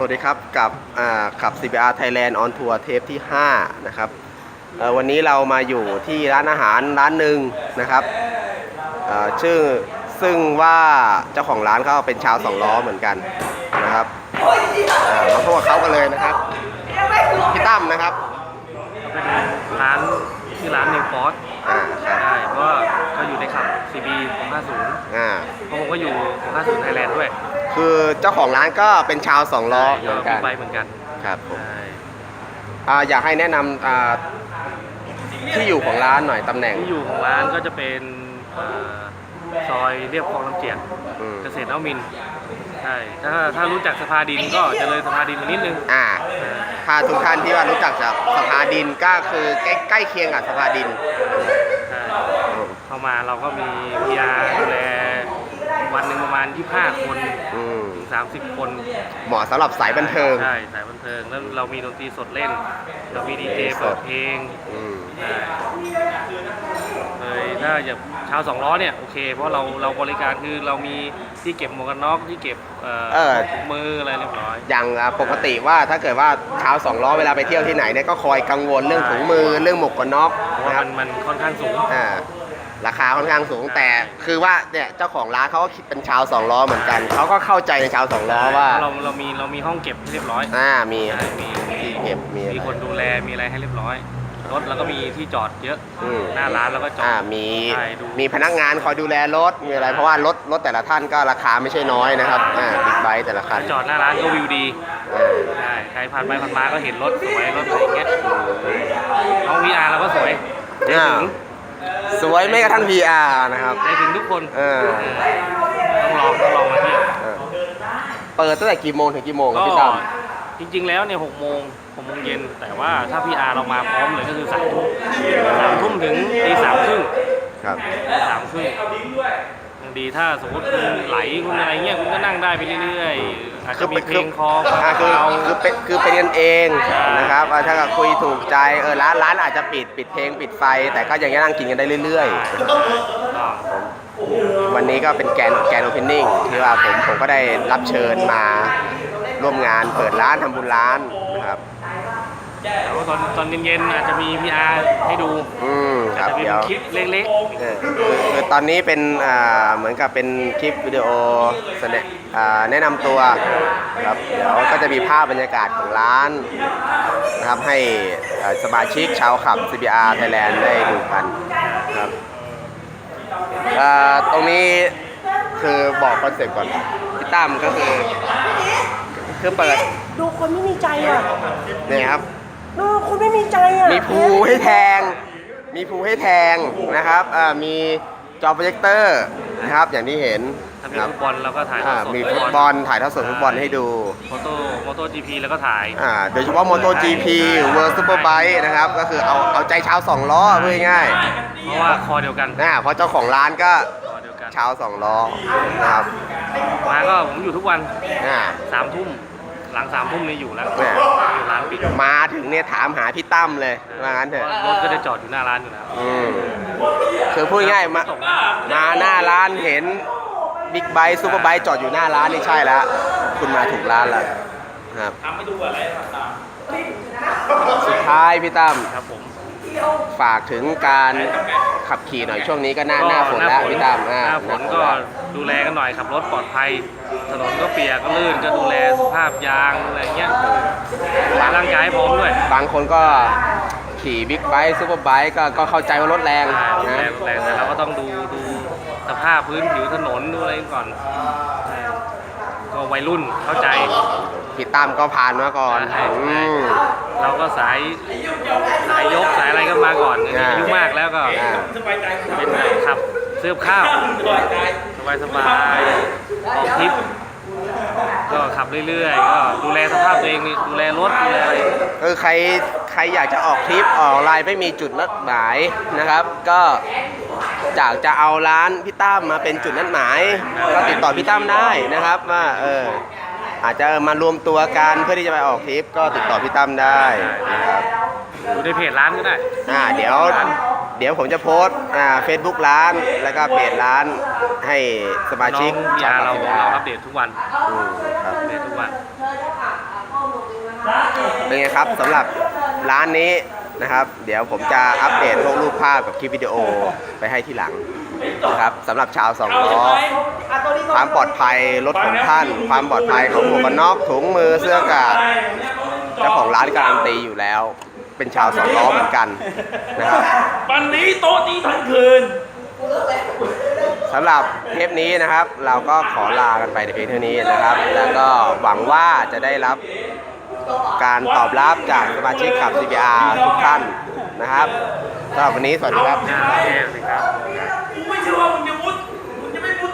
วัสดีครับกับขับ CBR Thailand on Tour เทปที่5นะครับวันนี้เรามาอยู่ที่ร้านอาหารร้านหนึ่งนะครับซึ่งว่าเจ้าของร้านเขาเป็นชาวสองล้อเหมือนกันนะครับมาพบกับเขากันเลยนะครับพี่ตั้มนะครับเป็นร้านชื่อร้านเนลฟอสใช่เพราะก็อยู่ในขับ CB 650เพราะผมก็อยู่650 Thailand ด้วยคือเจ้าของร้านก็เป็นชาวสองล้อเหมือนกันเหมือนกันครับผมอยากให้แนะนำที่อยู่ของร้านหน่อยตำแหน่งที่อยู่ของร้านก็จะเป็นซอยเรียบคลองลำเจียกเกษตรนวมินทร์ใช่ถ้ารู้จักสภาดินก็จะเลยสภาดินมานิดนึงถ้าทุกท่านที่ว่ารู้จักจากสภาดินก็คือใกล้เคียงกับสภาดินใช่เข้ามาเราก็มีพีอาร์ดูแลวันหนึ่งประมาณ25 คนถึง30 คนเหมาะสำหรับสายบันเทิงใช่สายบันเทิงแล้วเรามีดนตรีสดเล่นเรามีดีเจเปิดเพลงเลยถ้าอย่างชาวสองล้อเนี่ยโอเคเพราะเราบริการคือเรามีที่เก็บหมวกกันน็อกที่เก็บมืออะไรเรียบร้อยอย่างปกติว่าถ้าเกิดว่าชาวสองล้อเวลาไปเที่ยวที่ไหนเนี่ยก็คอยกังวลเรื่องถุงมือเรื่องหมวกกันน็อกนะครับมันค่อนข้างสูงราคาค่อนข้างสูงแต่คือว่าเนี่ยเจ้าของร้านเขาก็คิดเป็นชาวสองล้อเหมือนกันเขาก็เข้าใจในชาวสองล้อว่าเรามีห้องเก็บเรียบร้อยมีที่เก็บมีคนดูแลมีอะไรให้เรียบร้อยรถแล้วก็มีที่จอดเยอะหน้าร้านแล้วก็จอดมีพนักงานคอยดูแลรถมีอะไรเพราะว่ารถแต่ละท่านก็ราคาไม่ใช่น้อยนะครับบิ๊กไบค์แต่ละคันจอดหน้าร้านก็วิวดีใช่ใครผ่านไปผ่านมาก็เห็นรถสวยรถอะไรอย่างเงี้ยน้อง VR เราก็สวยสวยไม่กระทั่ง VR นะครับได้ถึงทุกคนต้องลองมาเที่ยวเปิดตั้งแต่กี่โมงถึงกี่โมงพี่ตั้มจริงๆแล้วเนี่ย6 โมงเย็นแต่ว่าถ้า PR เรามาพร้อมเลยก็คือ3 ทุ่มถึงตี 3 ครึ่งครับ 3 ครึ่งยังดีถ้าสมมติคุณไหลคุณอะไรเงี้ยคุณก็นั่งได้ไปเรื่อยๆอาจจะมีเพลงคอคือเป็นกันเองนะครับถ้าคุยถูกใจร้านอาจจะปิดเพลงปิดไฟแต่ก็ยังนั่งกินกันได้เรื่อยๆวันนี้ก็เป็นแกนโอเพนนิ่งที่ว่าผมก็ได้รับเชิญมาร่วมงานเปิดร้านทำบุญร้านนะครับแล้วตอนเย็นๆอาจจะมี PR ให้ดูครับเดี๋ยวคลิปเล็กๆคือตอนนี้เป็นเหมือนกับเป็นคลิปวิดีโอแนะนำตัวครับเดี๋ยวก็จะมีภาพบรรยากาศของร้านนะครับให้สมาชิกชาวขับ CBR Thailand ได้ดูกันครับตรงนี้คือบอกคอนเซ็ปต์ก่อนพี่ตั้มก็คือเปิดดูคนไม่มีใจอ่ะนี่ครับดูคนไม่มีใจอ่ะมีภูให้แทงนะครับมีจอโปรเจคเตอร์นะครับอย่างที่เห็นมีฟุตบอลแล้วก็ถ่ายมีฟุตบอลถ่ายทอดสดฟุตบอลให้ดูโมโต้ GP แล้วก็ถ่ายโดยเฉพาะโมโต้ GP World Superbike นะครับก็คือเอาใจชาวสองล้อพูดง่ายเพราะว่าคอเดียวกันเพราะเจ้าของร้านก็ชาวสองล้อนะครับมาก็ผมอยู่ทุกวัน3 ทุ่มหลัง3 ทุ่มนี่อยู่แล้วร้านปิดมาถึงเนี่ยถามหาพี่ตั้มเลยว่างั้นเถอะรถก็จะจอดอยู่หน้าร้านอยู่แล้วคือพูดง่ายมาหน้าร้านเห็นบิ๊กไบค์ซูเปอร์ไบค์จอดอยู่หน้าร้านนี่ใช่แล้วคุณมาถูกร้านแล้วครับสุดท้ายพี่ตั้มครับผมฝากถึงการขับขี่หน่อยช่วงนี้ก็หน้าฝนแล้วพี่ตั้มหน้าฝนก็ดูแลกันหน่อยขับรถปลอดภัยถนนก็เปียกก็ลื่นก็ดูแลสภาพยางอะไรเงี้ยร่างกายพร้อมด้วยบางคนก็ขี่บิ๊กไบค์ซูเปอร์ไบค์ก็เข้าใจว่ารถแรงนะแต่เราก็ต้องดูสภาพพื้นผิวถนนดูอะไรก่อนก็วัยรุ่นเข้าใจพี่ตั้มก็ผ่านมาก่อนเราก็สายยกสายอะไรก็มาก่อนอายุมากแล้วก็เป็นขับซื้อข้าวสบายออกทริปก็ขับเรื่อยๆก็ดูแลสภาพตัวเองดูแลรถดูแลอะไรใครอยากจะออกทริปออกไลน์ไม่มีจุดนัดหมายนะครับก็จะเอาร้านพี่ตั้มมาเป็นจุดนัดหมายก็ติดต่อพี่ตั้มได้นะครับว่าอาจจะมารวมตัวกันเพื่อที่จะไปออกทริปก็ติดต่อพี่ตั้มได้นะครับดูในเพจร้านก็ได้เดี๋ยวผมจะโพสต์Facebook ร้านแล้วก็เพจร้านให้สมาชิกเราอัปเดตทุกวันครับอัปเดตทุกวันเป็นไงครับสำหรับร้านนี้นะครับ เดี๋ยวผมจะอัปเดตพวกรูปภาพกับคลิปวิดีโอไปให้ที่หลังนะครับสำหรับชาวสองล้อความปลอดภัยรถของท่าน ความปลอดภัยของหมวกกันน็อกถุงมือเสื้อกาดเจ้าของร้านการันตีอยู่แล้ว เป็นชาวสองล้อเหมือนกันนะครับวันนี้โต๊ะนี้ทั้งคืนสำหรับเทปนี้นะครับ เราก็ขอลากันไปในเพียงเท่านี้นะครับ แล้วก็หวังว่าจะได้รับการตอบรับจากสมาชิกขับ CBR ทุกท่านนะครับสำหรับวันนี้สวัสดีครับโอเคครับกูไม่เชื่อว่ามึงจะ